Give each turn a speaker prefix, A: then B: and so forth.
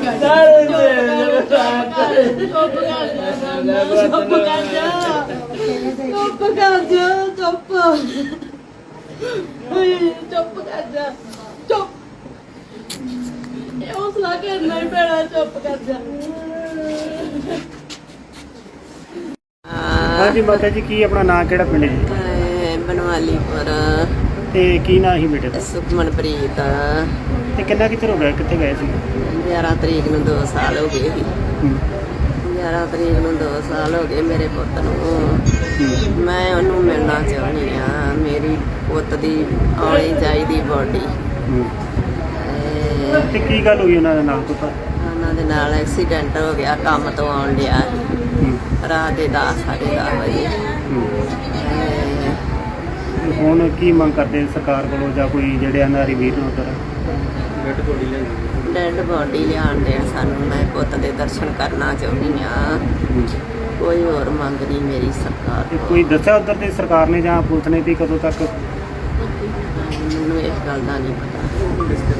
A: ਹੌਸਲਾ ਕਰਨਾ ਹੀ ਪੈਣਾ, ਚੁੱਪ ਕਰ ਜਾ।
B: ਹਾਂਜੀ ਮਾਤਾ ਜੀ, ਕੀ ਆਪਣਾ ਨਾਂ, ਕਿਹੜਾ ਪਿੰਡ ਜੀ?
C: ਬਨਵਾਲੀਪੁਰ।
B: ਤੇ ਕੀ ਨਾਂ ਸੀ ਬੇਟੇ ਦਾ?
C: ਸੁਖਮਨਪ੍ਰੀਤ।
B: ਤੇ ਕਿੰਨਾ ਕਿੱਥੇ ਹੋ ਗਿਆ, ਕਿੱਥੇ ਗਏ ਸੀ?
C: 11 ਤਰੀਕ ਨੂੰ 2 ਸਾਲ ਹੋ ਗਏ ਸੀ। 11 ਤਰੀਕ ਨੂੰ 2 ਸਾਲ ਹੋ ਗਏ ਮੇਰੇ ਪੁੱਤ ਨੂੰ। ਮੈਂ ਉਹਨੂੰ ਮਿਲਣਾ ਚਾਹੁੰਦੀ ਆ। ਮੇਰੀ ਪੁੱਤ ਦੀ ਆਉਣੀ ਚਾਹੀਦੀ ਬੋਡੀ।
B: ਤੇ ਕੀ ਗੱਲ ਹੋਈ ਉਹਨਾਂ ਦੇ ਨਾਲ?
C: ਉਹਨਾਂ ਦੇ ਨਾਲ ਐਕਸੀਡੈਂਟ ਹੋ ਗਿਆ, ਕੰਮ ਤੋਂ ਆਉਣ ਡਿਆ ਰਾਤ ਦੇ 10 ਸਾਢੇ 10 ਵਜੇ।
B: ਹੁਣ ਕੀ ਮੰਗ ਕਰਦੇ ਸਰਕਾਰ ਕੋਲੋਂ, ਜਾਂ ਕੋਈ ਜਿਹੜੇ ਇਹਨਾਂ ਦੀ ਵੀਰ ਨੂੰ ਉੱਧਰ
C: ਡੈਡ ਬੋਡੀ ਲਿਆਉਣ ਦੇਣ ਸਾਨੂੰ। ਮੈਂ ਪੁੱਤ ਦੇ ਦਰਸ਼ਨ ਕਰਨਾ ਚਾਹੁੰਦੀ ਆ। ਕੋਈ ਹੋਰ ਮੰਗ ਨਹੀਂ ਮੇਰੀ ਸਰਕਾਰ
B: ਤੇ
C: ਤੋਂ।
B: ਕੋਈ ਦੱਸਿਆ ਉੱਧਰ ਦੀ ਸਰਕਾਰ ਨੇ ਜਾਂ ਪੁਲਿਸ ਨੇ ਵੀ ਕਦੋਂ ਤੱਕ?
C: ਮੈਨੂੰ ਇਸ ਗੱਲ ਦਾ ਨਹੀਂ ਪਤਾ।